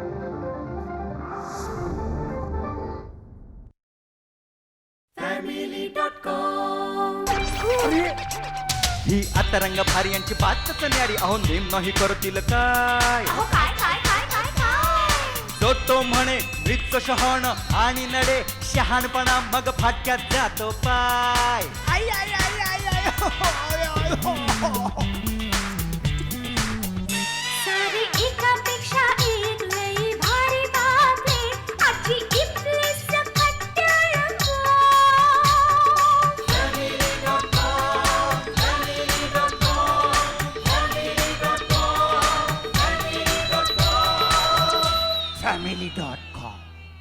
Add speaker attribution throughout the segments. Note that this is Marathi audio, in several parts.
Speaker 1: ही आता रंग भारी यांची बातच न्यारी. अहो नेम नाही करतील काय. जो तो म्हणे मृत शहाण आणि नडे शहाणपणा मग फाटक्यात जातो पाय. आई आई आई आई आई हो, आय, आय, हो, हो.
Speaker 2: सारी एकापेक्षा एक लई भारी बातमी आजची इथली सकट टेलिफोन.
Speaker 1: family.com.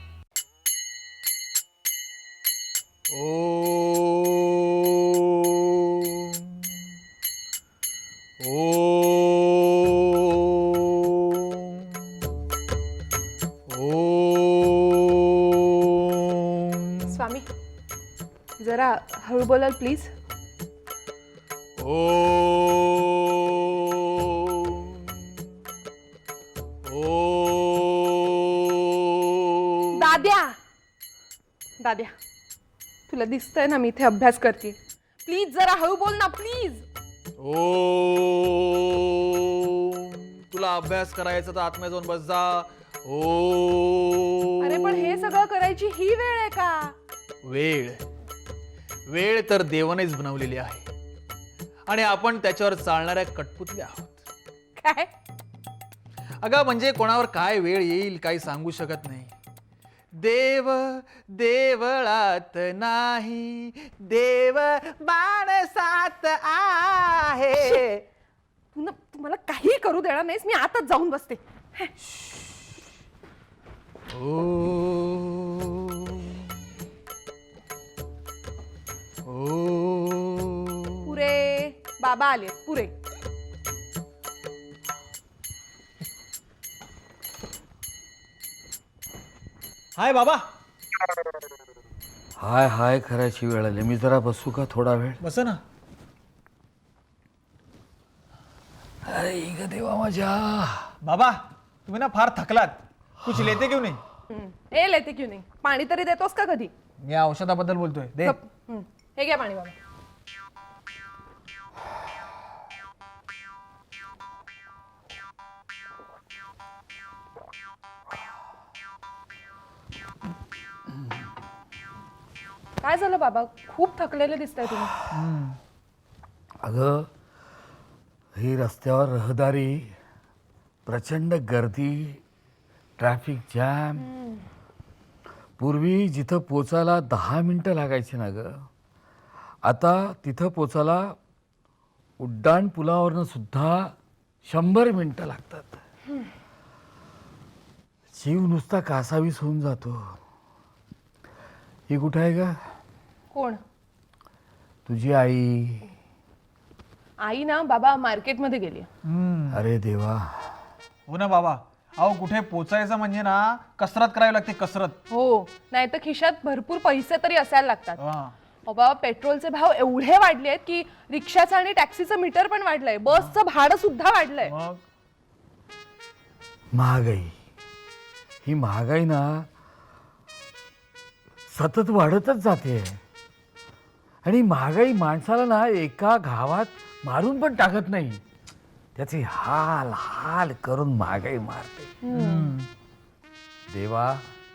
Speaker 3: स्वामी जरा हळू बोलाल प्लीज. दाद्या दाद्या तुला दिसतंय ना मी इथे अभ्यास करते. प्लीज जरा हळू बोल ना प्लीज.
Speaker 4: तुला अभ्यास करायचा तर आत्म्या जाऊन बस जा.
Speaker 3: अरे पण हे सगळं करायची ही वेळ आहे का?
Speaker 4: वेळ वेळ तर देवानेच बनवलेली आहे आणि आपण त्याच्यावर चालणाऱ्या कठपुतल्या आहोत.
Speaker 3: काय?
Speaker 4: अगं म्हणजे कोणावर काय वेळ येईल काही सांगू शकत नाही. देव देवळात नाही, देव माणसात आहे.
Speaker 3: तू मला काही करू देणार नाहीस. मी आताच जाऊन बसते. पुरे बाबा आले पुरे.
Speaker 4: हाय बाबा.
Speaker 5: हाय हाय करायची वेळ आली. मी जरा बसू का थोडा वेळ?
Speaker 4: बस ना.
Speaker 5: अरे ग देवा माझ्या.
Speaker 4: बाबा तुम्ही ना फार थकलात. कुछ लेते क्यों नाही?
Speaker 3: ए लेते क्यों नाही. पाणी तरी देतोस का कधी?
Speaker 4: मी औषधाबद्दल बोलतोय. दे.
Speaker 3: हे घ्या पाणी बाबा. काय झालं बाबा? खूप थकलेले दिसताय तुम्ही.
Speaker 5: अगं ही रस्त्यावर रहदारी, प्रचंड गर्दी, ट्रॅफिक जॅम. पूर्वी जिथं पोचायला 10 मिनिटं लागायची ना ग, आता तिथं पोचायला उड्डाण पुलावरनं सुद्धा 100 मिनिटं लागतात. जीव नुसता कासावीस होऊन जातो. ही कुठं आहे का?
Speaker 3: कोण?
Speaker 5: तुझी आई.
Speaker 3: आई ना बाबा मार्केटमध्ये गेली.
Speaker 5: अरे देवा.
Speaker 4: हो ना बाबा. अहो कुठे पोचायचं म्हणजे ना कसरत करावी लागते. कसरत.
Speaker 3: हो नाही तर खिशात भरपूर पैसे तरी असायला लागतात.
Speaker 4: हा.
Speaker 3: बाबा पेट्रोलचे भाव एवढे वाढले आहेत की रिक्षाचं आणि टॅक्सीचं मीटर पण वाढलंय. बसचं भाडं सुद्धा वाढलंय.
Speaker 4: मग
Speaker 5: महागाई. ही महागाई ना सतत वाढतच जाते. आणि महागाई माणसाला ना एका घावात मारून पण टाकत नाही. त्याचे हाल हाल करून महागाई मारते. देवा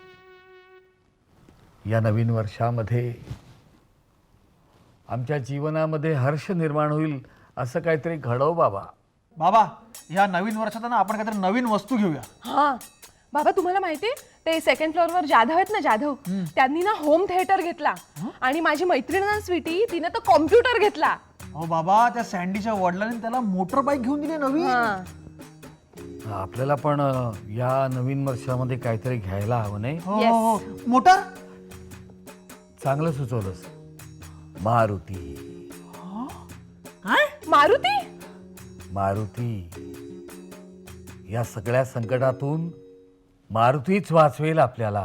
Speaker 5: या नवीन वर्षामध्ये आमच्या जीवनामध्ये हर्ष निर्माण होईल असं काहीतरी घडव बाबा.
Speaker 4: बाबा या नवीन वर्षात ना आपण काहीतरी नवीन वस्तू घेऊया.
Speaker 3: हा बाबा तुम्हाला माहितीये ते सेकंड फ्लोअरवर जाधव आहेत ना जाधव, त्यांनी ना होम थिएटर घेतला. आणि माझी मैत्रीण ना स्वीटी तिने तर कॉम्प्युटर घेतला.
Speaker 4: हो बाबा त्या सँडीच्या वडिलांनी त्याला मोटर बाईक घेऊन दिली नवीन.
Speaker 5: आपल्याला पण या नवीन वर्षामध्ये काहीतरी घ्यायला हवं नाही?
Speaker 4: हो मोटर.
Speaker 5: चांगलं सुचवलंस. मारुती.
Speaker 4: काय?
Speaker 3: मारुती.
Speaker 5: मारुती या सगळ्या संकटातून मारुतीच वाचवेल आपल्याला.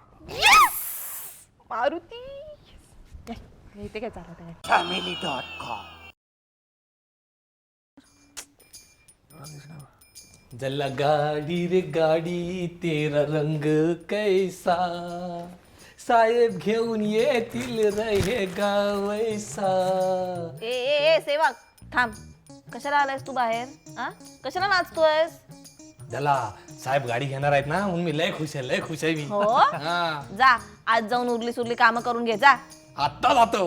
Speaker 3: मारुती. इथे काय चालत?
Speaker 1: family.com.
Speaker 6: जला गाडी रे गाडी तेरा रंग कैसा साहेब घेऊन येतील रे गावैसा.
Speaker 7: ए सेवक थांब. कशाला आलायस तू बाहेर? हा कशाला नाचतोयस?
Speaker 6: जला साहेब गाडी घेणार आहेत ना म्हणून मी लय खुश आहे मी.
Speaker 7: हो
Speaker 6: हा
Speaker 7: जा आज जाऊन उरली सुरली काम करून घे जा.
Speaker 6: आत्ता जातो.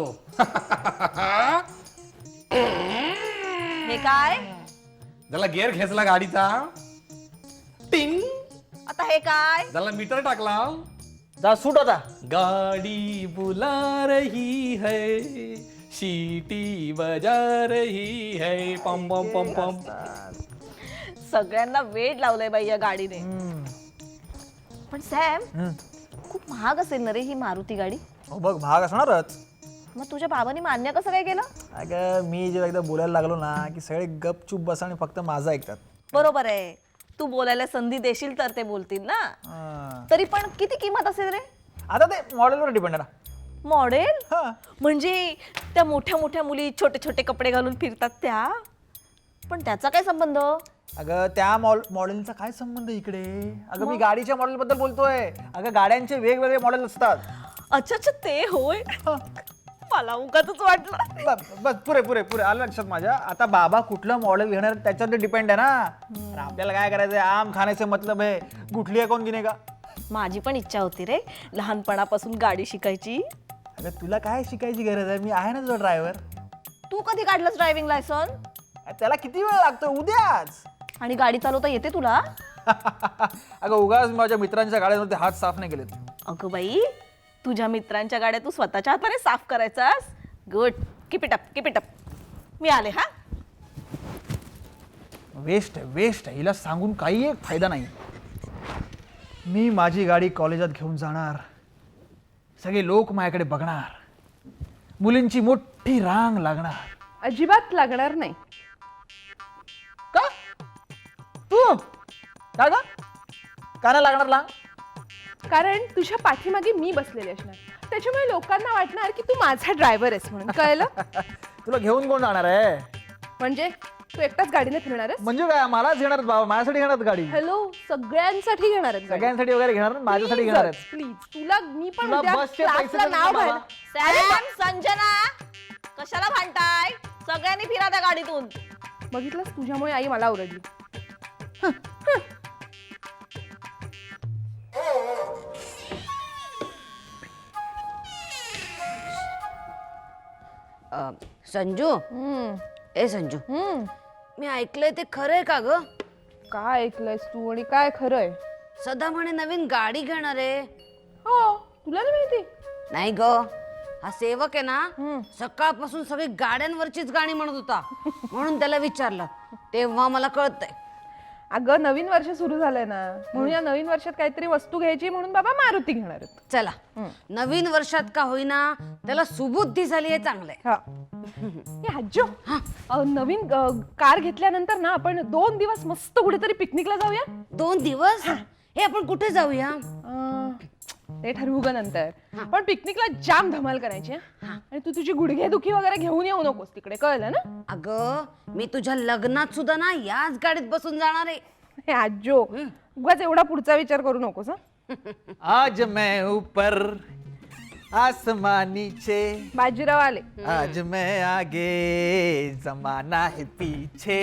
Speaker 7: हे काय
Speaker 6: जला गिअर खेचला गाडीचा टिंग.
Speaker 7: आता हे काय?
Speaker 6: जला मीटर टाकला.
Speaker 1: जा सूट आता.
Speaker 6: गाड़ी बुला रही है सीटी बजा रही है पम पम पम पम.
Speaker 7: सगळ्यांना वेड लावलंय बाई या गाडीने. पण सॅम खूप महाग असेल ना रे ही मारुती गाडी.
Speaker 1: हो बघ महाग असणारच.
Speaker 7: मग तुझ्या बाबांनी मान्य कसं काय केलं?
Speaker 1: अगं मी जेव्हा एकदा बोलायला लागलो ना की सगळे गपचूप बसा आणि फक्त माझं ऐकतात.
Speaker 7: बरोबर आहे. तू बोलायला संधी देशील तर ते बोलतील ना. तरी पण किती किंमत असेल रे?
Speaker 1: आता ते मॉडेलवर डिपेंड आहे ना.
Speaker 7: मॉडेल
Speaker 1: हा.
Speaker 7: म्हणजे त्या मोठ्या मोठ्या मुली छोटे छोटे कपडे घालून फिरतात त्या. पण त्याचा काय संबंध?
Speaker 1: अगं त्या मॉडेलचा काय संबंध इकडे? अगं मी गाडीच्या मॉडेल बद्दल बोलतोय. अगं गाड्यांचे वेगवेगळे मॉडेल असतात.
Speaker 7: अच्छा अच्छा ते होय. मला उगाचच वाटलं.
Speaker 1: बस पुरे पुरे पुरे आलं लक्षात माझ्या. आता बाबा कुठलं मॉडेल घेणार त्याच्यावर डिपेंड आहे ना. तर आपल्याला काय करायचंय आम खाण्याचे मतलब आहे गुठली कोण गिने का.
Speaker 7: माझी पण इच्छा होती रे लहानपणापासून गाडी शिकायची.
Speaker 1: अगं तुला काय शिकायची गरज आहे? मी आहे ना तुझा ड्रायव्हर.
Speaker 7: तू कधी काढलंस ड्रायव्हिंग लायसन?
Speaker 1: त्याला किती वेळ लागतो? उद्याच.
Speaker 7: आणि गाडी चालवता येते तुला?
Speaker 1: अगं उगाच माझ्या मित्रांच्या गाड्यांमध्ये हात साफ नाही केलेत.
Speaker 7: अगं बाई तुझ्या मित्रांच्या गाड्या तू स्वतःच्या हाताने साफ करायचास. गुड. Keep it up. मी आले हा.
Speaker 1: वेस्ट वेस्ट हिला सांगून काही एक फायदा नाही. मी माझी गाडी कॉलेजात घेऊन जाणार. सगळे लोक माझ्याकडे बघणार. मुलींची मोठी रांग लागणार.
Speaker 3: अजिबात लागणार नाही.
Speaker 1: का तू का ग का नाही लागणार ला?
Speaker 3: कारण तुझ्या पाठीमागे मी बसलेली असणार. त्याच्यामुळे लोकांना वाटणार की तू माझा ड्रायव्हर आहेस म्हणून. कळलं?
Speaker 1: तुला घेऊन कोण जाणार आहे?
Speaker 3: म्हणजे तू एकटाच गाडीने फिरणार आहेस?
Speaker 1: म्हणजे काय मलाच घेणार बाबा? माझ्यासाठी घेणार गाडी?
Speaker 3: हॅलो सगळ्यांसाठी घेणार आहेत.
Speaker 1: सगळ्यांसाठी वगैरे घेणार ना? माझ्यासाठी घेणार आहेत.
Speaker 3: प्लीज तुला मी पण
Speaker 1: तुला
Speaker 3: उद्या
Speaker 1: बसचे पैसे
Speaker 3: क्लासला
Speaker 1: देतो
Speaker 3: नाव
Speaker 1: बाबा.
Speaker 3: घाल.
Speaker 7: सॅम संजना कशाला भांडताय? सगळ्यांनी फिरा त्या गाडीतून.
Speaker 3: बघितलंस तुझ्यामुळे आई मला ओरडली.
Speaker 8: संजू ए संजू मी ऐकलंय ते खरंय का ग?
Speaker 3: काय ऐकलंयस तू आणि काय खरंय?
Speaker 8: सदा म्हणे नवीन गाडी घेणार आहे.
Speaker 3: हो तुला नाही माहिती?
Speaker 8: नाही ग हा सेवक आहे ना सकाळपासून सगळी गाड्यांवरचीच गाणी म्हणत होता म्हणून त्याला विचारलं तेव्हा मला कळतंय.
Speaker 3: अगं नवीन वर्ष सुरू झालंय ना म्हणून या नवीन वर्षात काहीतरी वस्तू घ्यायची म्हणून बाबा मारुती घेणार आहेत.
Speaker 8: चला नवीन वर्षात का होईना त्याला सुबुद्धी झाली आहे चांगलंय.
Speaker 3: हा. हे आज्जो नवीन कार घेतल्यानंतर ना आपण 2 दिवस मस्त कुठेतरी पिकनिकला जाऊया.
Speaker 8: 2 दिवस हे आपण कुठे जाऊया?
Speaker 3: ते ठरवू ग नंतर. पण पिकनिकला जाम धमाल करायची हा? आणि तू तुझी गुडघेदुखी वगैरे घेऊन येऊ नकोस तिकडे. कळलं ना?
Speaker 8: अगं मी तुझ्या लग्नात सुद्धा ना याच गाडीत बसून जाणार आहे.
Speaker 3: हे आज्जो उगाच एवढा पुढचा विचार करू नकोस.
Speaker 4: आज मैं ऊपर आसमान नीचे
Speaker 3: बाजीराव आले.
Speaker 4: आज मैं आगे जमाना है पीछे.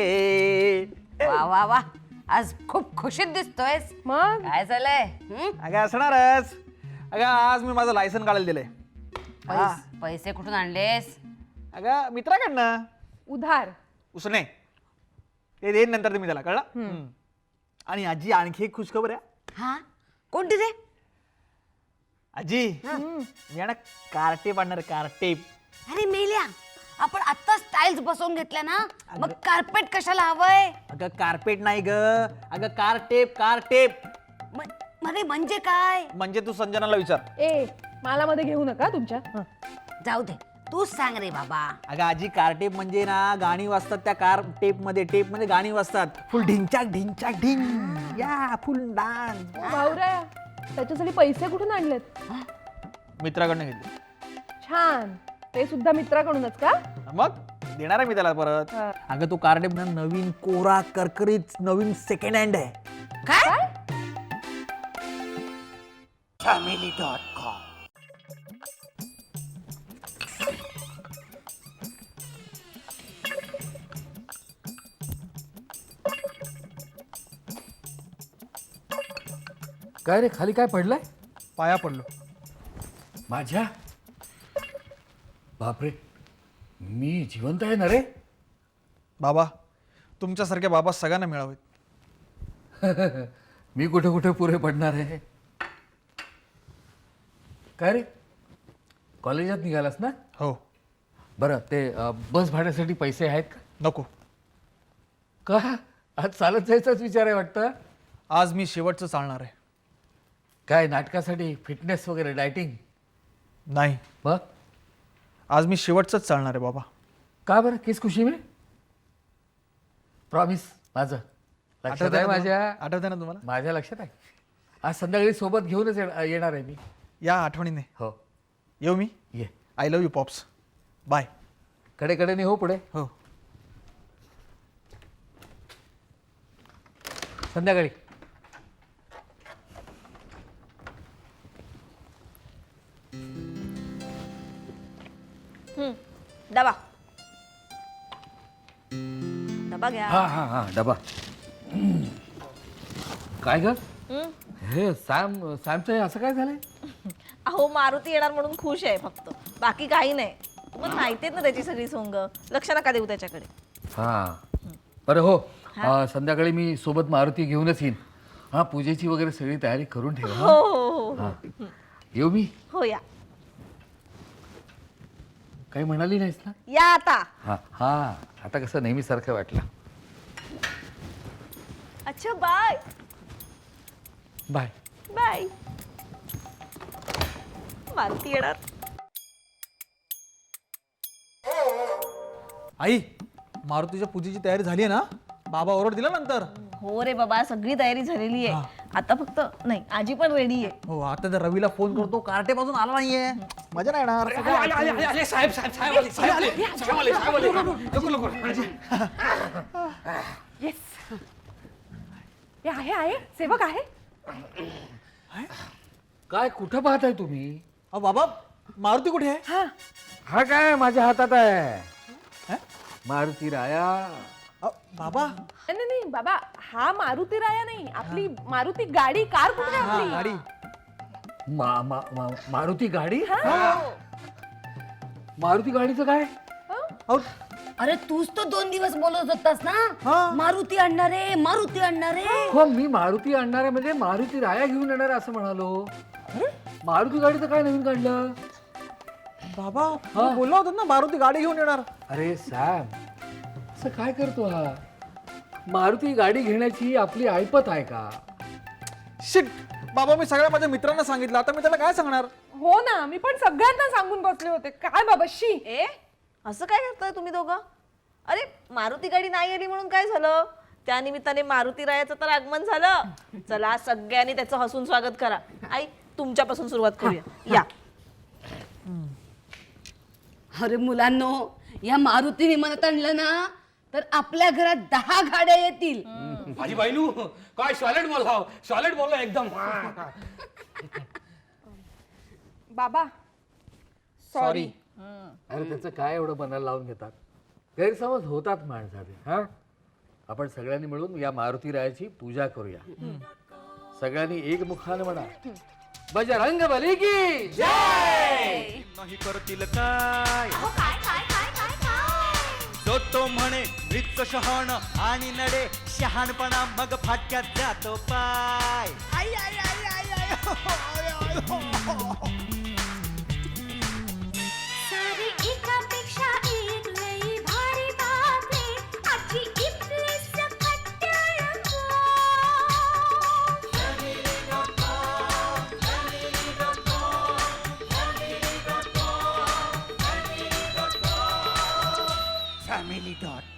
Speaker 8: वा वा वा आज खूप खुशीत दिसतोयस.
Speaker 3: मग
Speaker 8: काय झालंय?
Speaker 1: अगं असणारच. अगं आज मी माझं लायसन काढायला दिलंय.
Speaker 8: पैसे कुठून आणलेस?
Speaker 1: अगं मित्राकडनं
Speaker 3: उधार.
Speaker 1: उसने ते देईन नंतर तुम्ही त्याला. कळलं? आणि आजी आणखी एक खुशखबर आहे.
Speaker 8: हा कोणती रे?
Speaker 1: आजी मी आहे ना कारटेप आणणार. कारटेप.
Speaker 8: अरे मेल्या आपण आता स्टाईल्स बसवून घेतल्या ना मग कार्पेट कशाला हवंय?
Speaker 1: अगं कार्पेट नाही ग. अगं कारटेप. कारटेप
Speaker 8: म्हणजे काय?
Speaker 1: म्हणजे तू संजनाला विचार.
Speaker 3: ए मला मध्ये घेऊ नका तुमच्या.
Speaker 8: जाऊ दे तूच सांग रे बाबा.
Speaker 1: अगं आजी कारटेप म्हणजे ना गाणी वाजतात त्या कार टेप मध्ये गाणी वाजतात. फुल ढिंचाक ढिंचाक ढिंग या फुल डान्स.
Speaker 3: भाऊराया त्याच्यासाठी पैसे कुठून आणलेत?
Speaker 1: मित्राकडनं घेतले.
Speaker 3: छान. ते सुद्धा मित्राकडूनच का?
Speaker 1: मग देणार आहे मी त्याला परत. अगं तो कार्ड आहे ना नवीन कोरा करकरीत नवीन सेकंड हँड आहे.
Speaker 8: काय
Speaker 5: काय रे खाली काय पडलंय
Speaker 1: पाया पडलो.
Speaker 5: माझ्या? बापरे, मी जिवंत आहे ना रे?
Speaker 1: बाबा तुमच्यासारखे बाबा सगळ्यांना मिळावेत.
Speaker 5: मी कुठे कुठे पुरे पडणार आहे. काय रे कॉलेजात निघालास ना?
Speaker 1: हो.
Speaker 5: बरं ते बस भाड्यासाठी पैसे आहेत का?
Speaker 1: नको.
Speaker 5: का आज चालत जायचाच विचार आहे वाटतं.
Speaker 1: आज मी शेवटचं चालणार आहे.
Speaker 5: काय नाटकासाठी फिटनेस वगैरे डायटिंग?
Speaker 1: नाही,
Speaker 5: मग
Speaker 1: आज मी शेवटचंच चालणार आहे बाबा.
Speaker 5: का बरं किस खुशी में? प्रॉमिस माझं लक्षात आहे माझ्या.
Speaker 1: आठवतंय ना तुम्हाला?
Speaker 5: माझ्या लक्षात आहे. आज संध्याकाळी सोबत घेऊनच येणार आहे मी.
Speaker 1: या आठवणीने.
Speaker 5: हो
Speaker 1: येऊ मी.
Speaker 5: ये.
Speaker 1: I love you pops. Bye.
Speaker 5: कडेकडेने हो पुढे.
Speaker 1: हो.
Speaker 5: संध्याकाळी.
Speaker 7: डबा डबा घ्या.
Speaker 5: हा हा हा डबा. काय ग
Speaker 7: हं?
Speaker 5: हे सॅमचं हे असं काय झालंय?
Speaker 7: अहो मारुती येणार म्हणून खुश आहे फक्त, बाकी काही नाही. तुम्हाला माहिती आहेत ना त्याची सगळी सोंग, लक्ष नका देऊ त्याच्याकडे.
Speaker 5: हा बरं हो. संध्याकाळी मी सोबत मारुती घेऊनच येईन. हा पूजेची वगैरे सगळी तयारी करून ठेवा.
Speaker 7: हो हो हो
Speaker 5: हा. येऊ मी?
Speaker 7: हो या
Speaker 5: काही म्हणाली नाहीस ना?
Speaker 7: या आता.
Speaker 5: हा हा आता कसं नेहमीसारखं वाटलं.
Speaker 7: अच्छा बाय
Speaker 5: बाय.
Speaker 7: बाय. मारुती येणार.
Speaker 1: आई मारुतीच्या पूजेची तयारी झाली आहे ना? बाबा ओरड दिला नंतर.
Speaker 7: हो रे बाबा सगळी तयारी झालेली आहे. आता फक्त नाही, आजी पण रेडी आहे.
Speaker 1: हो आता तर रवीला फोन करतो, कार्टे पासून आला नाहीये. मजा नाही येणार.
Speaker 3: येस हे आहे सेवक आहे.
Speaker 5: काय कुठं पाहताय तुम्ही?
Speaker 1: अहो बाबा मारुती कुठे आहे?
Speaker 3: हा
Speaker 5: हा काय माझ्या हातात आहे. मारुती राया.
Speaker 1: बाबा
Speaker 3: नाही नाही बाबा, हा मारुती राया नाही, आपली मारुती गाडी कार कुठे आहे आपली?
Speaker 1: गाडी.
Speaker 5: मारुती गाडी. मारुती गाडीचं काय?
Speaker 1: अहो
Speaker 8: अरे तूच तो 2 दिवस बोलत होतास ना, मारुती आणणार आहे मारुती आणणार आहे.
Speaker 5: हो मी मारुती आणणार आहे म्हणजे मारुती राया घेऊन येणार आहे असं म्हणालो. मारुती गाडीचं काय नवीन काढलं?
Speaker 1: बाबा बोलला होता ना मारुती गाडी घेऊन येणार.
Speaker 5: अरे सॅम असं काय करतो हा? मारुती गाडी घेण्याची आपली ऐपत आहे का?
Speaker 1: शिट बाबा, मी सगळ्या माझ्या मित्रांना सांगितलं, आता मी त्याला काय सांगणार?
Speaker 3: हो ना, मी पण सगळ्यांना सांगून बसले होते. काय बाबा शी.
Speaker 7: ए असं काय करताय तुम्ही दोघं? अरे मारुती गाडी नाही आली म्हणून काय झालं? त्या निमित्ताने मारुती रायाचं तर आगमन झालं. चला सगळ्यांनी त्याचं हसून स्वागत करा. आई तुमच्यापासून सुरुवात करूया. या.
Speaker 8: अरे मुलांनो, या मारुती विमानात आणलं ना तर आपल्या घरात 10 गाड्या येतील.
Speaker 6: माझी बायनू काय सॉलिड बोलला एकदम.
Speaker 3: बाबा सॉरी.
Speaker 5: अरे त्याचं काय एवढं मनाला लावून घेतात? गैरसमज होतात माणसाचे. हा आपण सगळ्यांनी मिळून या मारुती रायाची पूजा करूया. सगळ्यांनी एक मुखाने म्हणा, बजरंग बली की जय.
Speaker 9: नाही करतील काय जो तो म्हणे मृत शहाण आणि नडे शहाणपणा मग फाटक्यात जातो पाय. आई आई आई आई आई
Speaker 2: सारी एकापेक्षा एक लई भारी बातमी आजची इथली सकट
Speaker 9: family.com